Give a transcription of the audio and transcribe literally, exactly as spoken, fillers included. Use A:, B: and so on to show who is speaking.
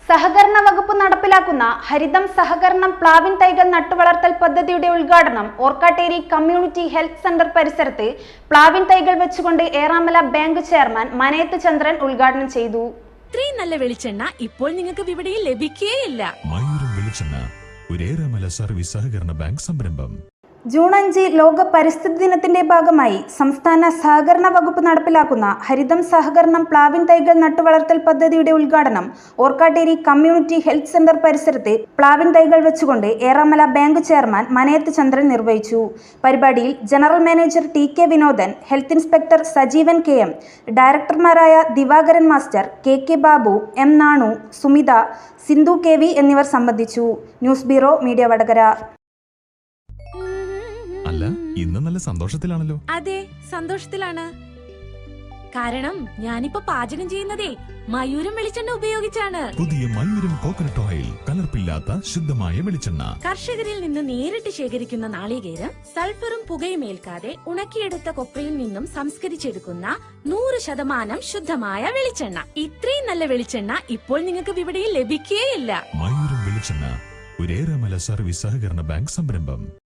A: സഹകരണ വകുപ്പ് നടപ്പിലാക്കുന്ന ഹരിതം സഹകരണം പ്ലാവിൻ തൈകൾ നട്ടുവളർത്തൽ പദ്ധതിയുടെ ഉദ്ഘാടനം ഓർക്കാട്ടേരി കമ്മ്യൂണിറ്റി ഹെൽത്ത് സെന്റർ പരിസരത്ത് പ്ലാവിൻ തൈകൾ വെച്ചുകൊണ്ട് ഏറാമല ബാങ്ക് ചെയർമാൻ മനയത്ത് ചന്ദ്രൻ ഉദ്ഘാടനം ചെയ്തു.
B: ഇത്രയും നല്ല വെളിച്ചെണ്ണ ഇപ്പോൾ നിങ്ങൾക്ക് വിപണിയിൽ ലഭിക്കുകയില്ല.
C: മയൂരം വെളിച്ചെണ്ണ ഒരു ഏറാമല സർവീസ് സഹകരണ ബാങ്ക് സംരംഭം.
A: ജൂൺ അഞ്ച് ലോക പരിസ്ഥിതി ദിനത്തിന്റെ ഭാഗമായി സംസ്ഥാന സഹകരണ വകുപ്പ് നടപ്പിലാക്കുന്ന ഹരിതം സഹകരണം പ്ലാവിൻ തൈകൾ നട്ടുവളർത്തൽ പദ്ധതിയുടെ ഉദ്ഘാടനം ഓർക്കാട്ടേരി കമ്മ്യൂണിറ്റി ഹെൽത്ത് സെന്റർ പരിസരത്ത് പ്ലാവിൻ തൈകൾ വെച്ചുകൊണ്ട് ഏറാമല ബാങ്ക് ചെയർമാൻ മനയത്ത് ചന്ദ്രൻ നിർവഹിച്ചു. പരിപാടിയിൽ general manager T K Vinodan, health inspector Sajeevan K M, ഡയറക്ടർമാരായ Divakaran master, K K Babu, M Nanu, Sumitha, Sindhu K V എന്നിവർ സംബന്ധിച്ചു. News bureau, media Vadakara.
C: അല്ല, ഇന്ന് നല്ല സന്തോഷത്തിലാണല്ലോ.
B: അതെ, സന്തോഷത്തിലാണ്. കാരണം ഞാനിപ്പോ പാചകം ചെയ്യുന്നതേ മയൂരം വെളിച്ചെണ്ണ ഉപയോഗിച്ചാണ്.
C: പുതിയ മയൂരം കോക്കനട്ട് ഓയിൽ, കലർപ്പില്ലാത്ത ശുദ്ധമായ വെളിച്ചെണ്ണ.
B: കർഷകരിൽ നിന്ന് നേരിട്ട് ശേഖരിക്കുന്ന നാളികേരം സൾഫറും പുകയും ഏൽക്കാതെ ഉണക്കിയെടുത്ത കൊപ്രയിൽ നിന്നും സംസ്കരിച്ചെടുക്കുന്ന നൂറ് ശതമാനം ശുദ്ധമായ വെളിച്ചെണ്ണ. ഇത്രയും നല്ല വെളിച്ചെണ്ണ ഇപ്പോൾ നിങ്ങൾക്ക് വിപണിയിൽ ലഭിക്കുകയില്ല.
C: മയൂരം വെളിച്ചെണ്ണ ഒരു ഏറാമല സർവീസ് സഹകരണ ബാങ്ക് സംരംഭം.